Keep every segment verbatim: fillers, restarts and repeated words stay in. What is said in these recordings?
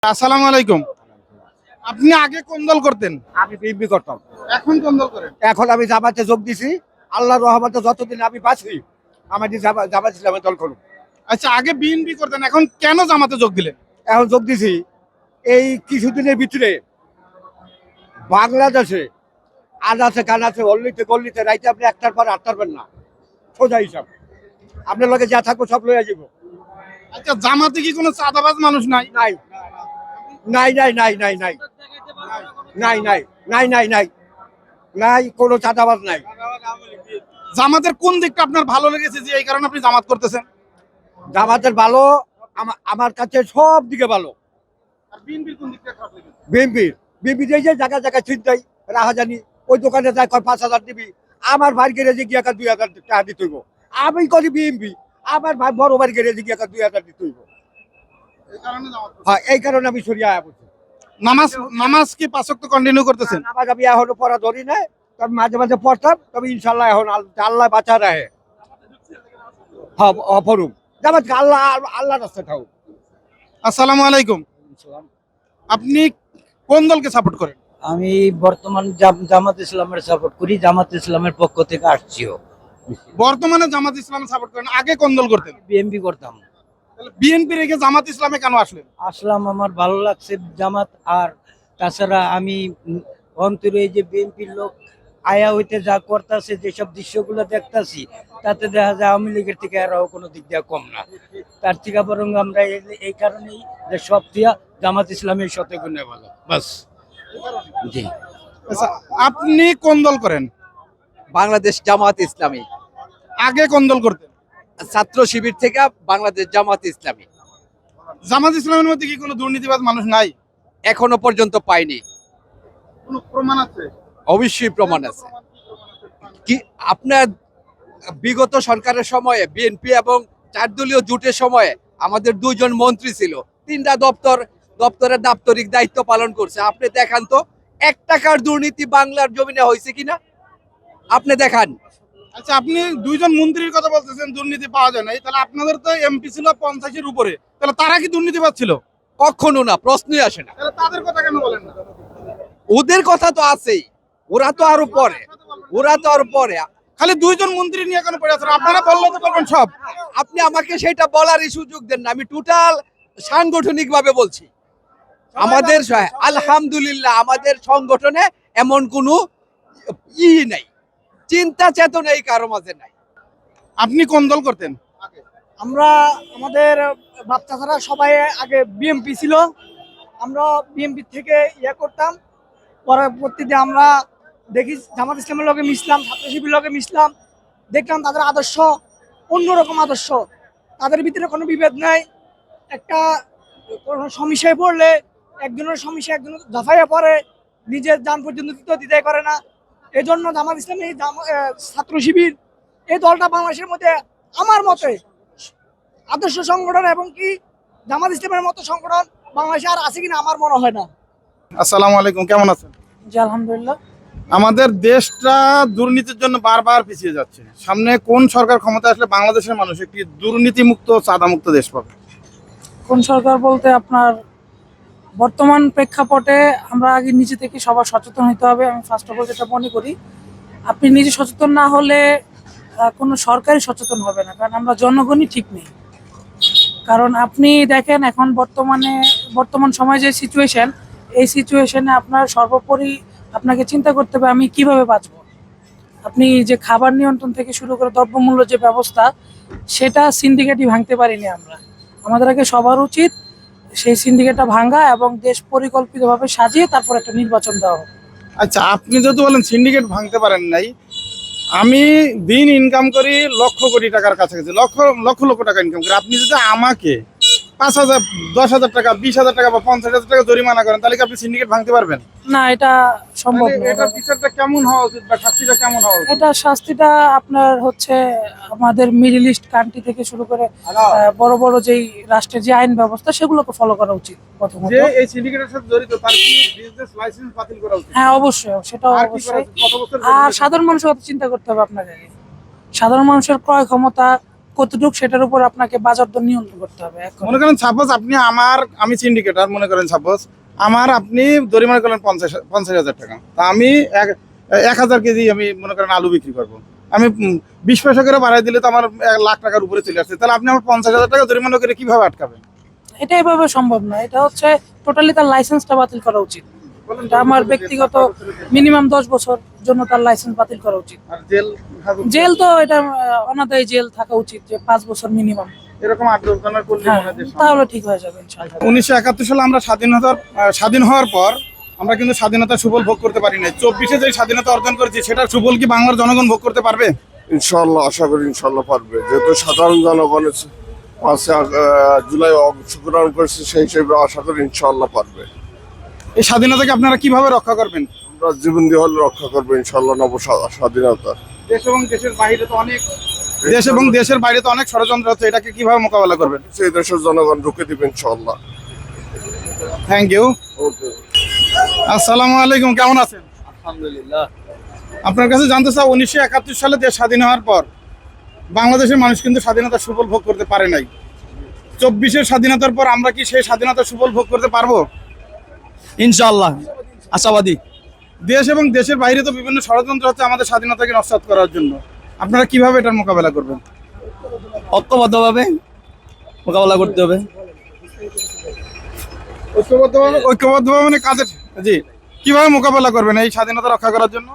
আসসালামু আলাইকুম। আপনি আগে কোন দল করতেন? আমি বিএনপি করতাম। এখন কোন দল করেন? এখন আমি জামাতে যোগ দিছি। আল্লাহর রহমতে যতদিন আমি বাঁচি আমি জামাত জামাত ইসলামের দল করব। আচ্ছা, আগে বিএনপি করতেন, এখন কেন জামাতে যোগ দিলেন? এখন যোগ দিছি এই কিছুদিনের ভিতরে বাংলাদেশে আজ আছে কান আছে অল্লিতে গল্লিতে রাইতে আপনি একটার পর আটটার পারবেন না, সোজা হিসাব। আপনার লগে যা থাকবো সব লইয়া যাব। আচ্ছা, জামাতে কি কোনো চাঁদাবাজ মানুষ নাই? নাই নাই নাই নাই নাই নাই নাই নাই নাই নাই নাই নাই কোনো চাঁদাবাজ নাই। জামাতের কোন দিকটা আপনার ভালো লেগেছে যে এই কারণে আপনি জামাত করতেছেন? জামাতের ভালো আমা- আমার কাছে সব দিকে ভালো। আর বিএনপির কোন দিকটা খারাপ লেগেছে? বিএনপির বিএনপি যে যে জায়গা জায়গায় ছিনতাই রাহাজানি, ওই দোকানে যায় কয় পাঁচ হাজার দিবি, আমার ভাই গ্যারেজে গিয়ে দুই হাজার টাকা দিতে হইব। আমি করি বিএনপি, আমার ভাই বড় ভাই গ্যারেজে গিয়ে দুই হাজার দিতে হইব। এই কারণে জামাত করতেছেন। হ্যাঁ, এই কারণে আমি সরিয়ে আয়া বলছি। নামাজ নামাজ কি পাঁচ ওয়াক্ত কন্টিনিউ করতেছেন? নামাজ আমি এখনো পড়া ধরি নাই, তবে মাঝে মাঝে পড়তাম। তবে ইনশাল্লাহ এখন আল- আল্লাহ বাঁচা রাহে। হ্যাঁ, অপরূপ জামাত আল্লাহ আল্লাহ রাস্তা থাকুক। আসসালামু আলাইকুম। আপনি কোন দলকে সাপোর্ট করেন? আমি বর্তমান জাম- জামাত ইসলামের সাপোর্ট করি, জামাত ইসলামের পক্ষ থেকে আসছিও। বর্তমানে জামাত ইসলাম সাপোর্ট করেন, আগে কোন দল করতেন? বিএমপি করতাম। তাহলে বিএনপি রেখে জামাত ইসলামে কেন আসলেন? আসলাম, আমার ভালো লাগছে জামাত। আর তাছাড়া আমি উম, অন্তরে এই যে বিএনপির লোক আয়া হইতে যা করতেছে, যেসব দৃশ্যগুলো দেখতাছি, তাতে দেখা যায় আওয়ামী লীগের থেকে আরও কোনো দিক দিয়ে কম না। তার থেকে বরং আমরা এই- এই কারণেই যে সব দিয়া জামাত ইসলামের শত গুণে ভালো, বাস। জি। আচ্ছা, আপনি কোন দল করেন? বাংলাদেশ জামাত ইসলামী, আগে কোন দল করতেন? ছাত্র শিবির থেকে বাংলাদেশ জামাত ইসলামী। জামাত ইসলামের মধ্যে কি কোনো দুর্নীতিবাজ মানুষ নাই? এখনো পর্যন্ত পাইনি। কোনো প্রমাণ আছে? অবশ্যই প্রমাণ আছে। কি আপনার বিগত সরকারের সময়ে বিএনপি এবং চার দলীয় জোটের সময়ে আমাদের দুইজন মন্ত্রী ছিল, তিনটা দপ্তর দপ্তরের দাপ্তরিক দায়িত্ব পালন করছে। আপনি দেখান তো এক টাকার দুর্নীতি বাংলার জমিনে হয়েছে কিনা, আপনি দেখান। আচ্ছা, আপনি দুইজন মন্ত্রীর কথা বলতেছেন দুর্নীতি পাওয়া যায় না, তাহলে আপনাদের তো এমপি ছিল পঞ্চাশের উপরে, তাহলে তারা কি দুর্নীতিবাজ ছিল? কখনো না, প্রশ্নই আসে না। তাহলে তাদের কথা কেন বলেন না? ওদের কথা তো আছেই, ওরা তো আরো পরে, ওরা তো আরো পরে। খালি দুইজন মন্ত্রী নিয়ে কেন পড়ে আছেন? আপনারা বললে তো বলবেন সব। আপনি আমাকে সেটা বলারই সুযোগ দেন না। আমি টোটাল সাংগঠনিক ভাবে বলছি। আমাদের স- আলহামদুলিল্লাহ আমাদের সংগঠনে এমন কোনো ই নাই, চিন্তা চেতনা এই কারো মাঝে নাই। আপনি কোন দল করতেন? আমরা আমাদের বাচ্চারা সবাই আগে বিএমপি ছিল, আমরা বিএমপি থেকে ইয়ে করতাম। পরবর্তীতে আমরা দেখি জামাত ইসলামের লগে মিশলাম, ছাত্র শিবির লগে মিশলাম, দেখলাম তাদের আদর্শ অন্যরকম আদর্শ। তাদের ভিতরে কোনো বিভেদ নাই। একটা কোনো সমস্যায় পড়লে একজনের সমস্যা একজন দফাইয়া পড়ে, নিজের যান পর্যন্ত দিতে দিতে করে না। এই জন্য জামাত ইসলামী জামা- আহ, ছাত্র শিবির এই দলটা বাংলাদেশের মধ্যে আমার মতে আদর্শ সংগঠন, এবং কি জামাত ইসলামের মতো সংগঠন বাংলাদেশে আর আছে কিনা আমার মনে হয় না। আসসালামু আলাইকুম, কেমন আছেন? জি আলহামদুলিল্লাহ। আমাদের দেশটা দুর্নীতির জন্য বারবার পিছিয়ে যাচ্ছে। সামনে কোন সরকার ক্ষমতা আসলে বাংলাদেশের মানুষ একটি দুর্নীতিমুক্ত চাঁদামুক্ত দেশ পাবে? কোন সরকার বলতে আপনার বর্তমান প্রেক্ষাপটে আমরা আগে নিজে থেকে সবার সচেতন হতে হবে। আমি ফার্স্ট অফ অল যেটা মনে করি, আপনি নিজে সচেতন না হলে আহ, কোনো সরকারই সচেতন হবে না, কারণ আমরা জনগণই ঠিক নেই। কারণ আপনি দেখেন এখন বর্তমানে বর্তমান সময়ে যে সিচুয়েশন, এই সিচুয়েশনে আপনার সর্বোপরি আপনাকে চিন্তা করতে হবে আমি কিভাবে বাঁচবো। আপনি যে খাবার নিয়ন্ত্রণ থেকে শুরু করে দ্রব্যমূল্য যে ব্যবস্থা, সেটা সিন্ডিকেটই ভাঙতে পারিনি আমরা। আমাদের আগে সবার উচিত সেই সিন্ডিকেটটা ভাঙা এবং দেশ পরিকল্পিতভাবে সাজিয়ে তারপর একটা নির্বাচন দেওয়া হোক। আচ্ছা, আপনি যেহেতু বলেন সিন্ডিকেট ভাঙতে পারেন নাই, আমি দিন ইনকাম করি লক্ষ কোটি টাকার কাছাকাছি, লক্ষ লক্ষ লক্ষ টাকা ইনকাম করি। আপনি যদি আমাকে পাঁচ হাজার দশ হাজার টাকা বিশ হাজার টাকা বা পঞ্চাশ হাজার টাকা জরিমানা করেন, তাহলে কি আপনি সিন্ডিকেট ভাঙতে পারবেন? না, এটা সম্ভব তাহলে না। এটার বিচারটা কেমন হওয়া উচিত বা শাস্তিটা কেমন হওয়া উচিত? এটা শাস্তিটা আপনার হচ্ছে আমাদের মিডল ইস্ট কান্ট্রি থেকে শুরু করে আহ, বড় বড় যেই রাষ্ট্রের যে আইন ব্যবস্থা সেগুলোকে ফলো করা উচিত প্রথমত। যে এই সিন্ডিকেটের সাথে জড়িত তার কি বিজনেস লাইসেন্স বাতিল করা উচিত? হ্যাঁ, অবশ্যই, সেটাও আর কি করা অবশ্যই। উচিত? কত বছর আর সাধারণ মানুষের কথা চিন্তা করতে হবে আপনাকে। সাধারণ মানুষের ক্রয় ক্ষমতা, কতটুকু সেটার উপর আপনাকে বাজার দর নিয়ন্ত্রণ করতে হবে। এখন মনে করেন সাপোজ আপনি আমার আমি সিন্ডিকেটার মনে করেন সাপোজ আমার আপনি জরিমানা করলেন পঞ্চাশ পঞ্চাশ হাজার টাকা, তা আমি এক এক হাজার কেজি আমি মনে করেন আলু বিক্রি করবো, আমি উম, বিশ পয়সা করে বাড়াই দিলে তো আমার এক লাখ টাকার উপরে চলে আসছে, তাহলে আপনি আমার পঞ্চাশ হাজার টাকা জরিমানা করে কিভাবে আটকাবেন? এটা এভাবে সম্ভব না, এটা হচ্ছে টোটালি তার লাইসেন্সটা বাতিল করা উচিত। এটা আমার ব্যক্তিগত মিনিমাম দশ বছর জন্য তার লাইসেন্স বাতিল করা উচিত। আর জেল জেল তো এটা আহ, অনাদায়ী জেল থাকা উচিত, যে পাঁচ বছর মিনিমাম। এরকম আট দশ জনের করলে হ্যাঁ, মনে হয় যে সম্ভব। তাহলে ঠিক হয়ে যাবে ইনশাআল্লাহ। উনিশশো একাত্তর সালে আমরা স্বাধীনতার আহ, স্বাধীন হওয়ার পর আমরা কিন্তু স্বাধীনতার সুফল ভোগ করতে পারি নাই। চব্বিশে যে স্বাধীনতা অর্জন করেছি সেটার সুফল কি বাংলার জনগণ ভোগ করতে পারবে? ইনশাল্লাহ আশা করি ইনশাল্লাহ পারবে, যেহেতু সাধারণ জনগণের পাঁচে আহ, জুলাই অংশগ্রহণ করেছে সেই হিসেবে আশা করি ইনশাল্লাহ পারবে। এই স্বাধীনতাকে আপনারা কিভাবে রক্ষা করবেন? আমরা জীবন দিয়ে হলে রক্ষা করবো ইনশাল্লাহ নব স্বা- স্বাধীনতা। দেশ এবং দেশের বাইরে তো অনেক দেশ এবং দেশের বাইরে তো অনেক ষড়যন্ত্র হচ্ছে, এটাকে কিভাবে মোকাবেলা করবেন? সেই দেশের জনগণ রুখে দিবে ইনশাল্লাহ। Thank you. আসসালামু আলাইকুম, কেমন আছেন? আলহামদুলিল্লাহ। আপনার কাছে জানতে চাই, উনিশশো একাত্তর সালে দেশ স্বাধীন হওয়ার পর বাংলাদেশের মানুষ কিন্তু স্বাধীনতার সুফল ভোগ করতে পারে নাই। চব্বিশের স্বাধীনতার পর আমরা কি সেই স্বাধীনতার সুফল ভোগ করতে পারবো? ইনশাআল্লাহ আশাবাদী। দেশ এবং দেশের বাইরে তো বিভিন্ন ষড়যন্ত্র হচ্ছে আমাদের স্বাধীনতাকে নস্যাৎ করার জন্য, আপনারা কিভাবে এটার মোকাবেলা করবেন? ঐক্যবদ্ধভাবে মোকাবেলা করতে হবে। ঐক্যবদ্ধভাবে ঐক্যবদ্ধভাবে মানে কাজের, জি, কিভাবে মোকাবেলা করবেন এই স্বাধীনতা রক্ষা করার জন্য?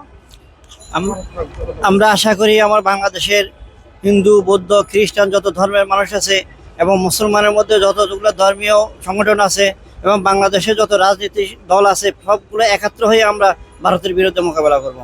আম- আমরা আশা করি আমার বাংলাদেশের হিন্দু বৌদ্ধ খ্রিস্টান যত ধর্মের মানুষ আছে এবং মুসলমানের মধ্যে যতগুলো ধর্মীয় সংগঠন আছে এবং বাংলাদেশে যত রাজনীতিক দল আছে সবগুলো একাত্র হয়ে আমরা ভারতের বিরুদ্ধে মোকাবেলা করব।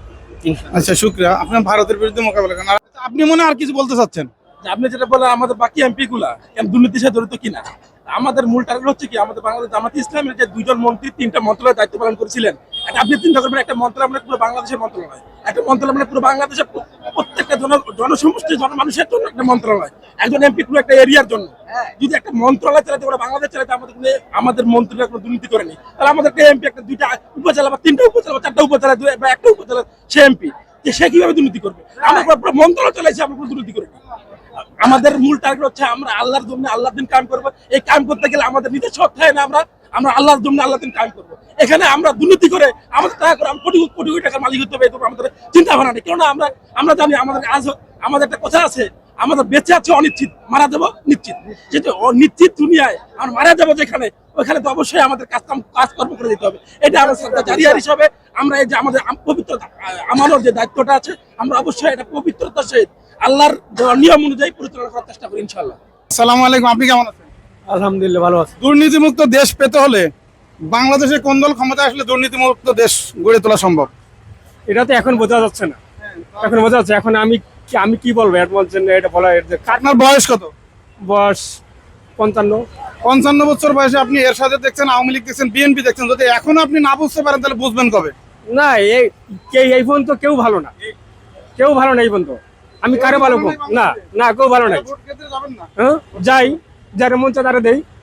আচ্ছা, শুক্রিয়া। আপনার ভারতের বিরুদ্ধে মোকাবেলা করেন। আর আপনি মনে হয় আর কিছু বলতে চাচ্ছেন? যে আপনি যেটা বললেন আমাদের বাকি এমপি গুলা কেন দুর্নীতির সাথে জড়িত কিনা, আমাদের মূল টার্গেট হচ্ছে কি আমাদের বাংলাদেশ জামাত ইসলামের যে দুইজন মন্ত্রী তিনটা মন্ত্রণালয়ের দায়িত্ব পালন করেছিলেন, একটা আপনি চিন্তা করবেন একটা মন্ত্রণালয় মানে পুরো বাংলাদেশের মন্ত্রণালয়, একটা মন্ত্রণালয় মানে পুরো বাংলাদেশের প্র- প্রত্যেকটা জন জনসমষ্টি জনমানুষের জন্য একটা মন্ত্রণালয়, একজন এমপি পুরো একটা এরিয়ার জন্য। যদি একটা মন্ত্রণালয় চালাতে পারে বাংলাদেশ চালাতে আমাদের কোনো আমাদের মন্ত্রীরা কোনো দুর্নীতি করেনি, তাহলে আমাদের একটা এমপি একটা দুইটা উপজেলা বা তিনটা উপজেলা বা চারটা উপজেলা দুই- বা একটা উপজেলা সে এমপি, যে সে কিভাবে দুর্নীতি করবে? আমরা পুরো- পুরো মন্ত্রণালয় চালাইছি, আমরা কোনো দুর্নীতি করিনি। আমাদের মূল টার্গেট হচ্ছে আমরা আল্লাহর জন্য আল্লাহর দিন কাম করবো। এই কাম করতে গেলে আমাদের নিজস্ব অর্থায়নে না, আমরা আমরা আল্লাহর জন্য আল্লাহর দিন কাম করবো। এখানে আমরা দুর্নীতি করে আমাদের টাকা করে আমরা কোটি কোটি কোটি টাকার মালিক হতে হবে, এরকম আমাদের চিন্তা ভাবনা নেই। কেননা আমরা আমরা জানি আমাদের আজ আমাদের একটা কথা আছে, আমাদের বেঁচে আছে অনিশ্চিত, মারা যাবো নিশ্চিত। যেহেতু অনিশ্চিত দুনিয়ায় আমরা মারা যাবো যেখানে, ওইখানে তো অবশ্যই আমাদের কাজ কাম কাজকর্ম করে দিতে হবে। এটা আমরা শ্রদ্ধা জারিয়ার হিসাবে আমরা এই যে আমাদের আম- পবিত্র আমাদের যে দায়িত্বটা আছে আমরা অবশ্যই এটা পবিত্রতার সহিত আল্লাহর নিয়ম অনুযায়ী পরিচালনা করার চেষ্টা করি ইনশাআল্লাহ। আসসালামু আলাইকুম, আপনি কেমন আছেন? আলহামদুলিল্লাহ ভালো আছে। দুর্নীতিমুক্ত দেশ পেতে হলে বাংলাদেশে কোন দল ক্ষমতা আসলে দুর্নীতিমুক্ত দেশ গড়ে তোলা সম্ভব? এটা তো এখন বোঝা যাচ্ছে না, এখন বোঝা যাচ্ছে। এখন আমি কি- আমি কি বলবো এর বলছেন এটা বলা, এর যে কার আপনার বয়স কত? বয়স পঞ্চান্ন। পঞ্চান্ন বছর বয়সে আপনি এর সাথে দেখছেন, আওয়ামী লীগ দেখছেন, বিএনপি দেখছেন, যদি এখন আপনি না বুঝতে পারেন তাহলে বুঝবেন কবে? না এই কে- এই পর্যন্ত কেউ ভালো না, কেউ ভালো না এই পর্যন্ত। আমি কারো ভালো কম না, না কেউ ভালো নাই। ভোট কেন্দ্রে যাবেন না? হ্যাঁ যাই যারা মন চায় তারা দেই।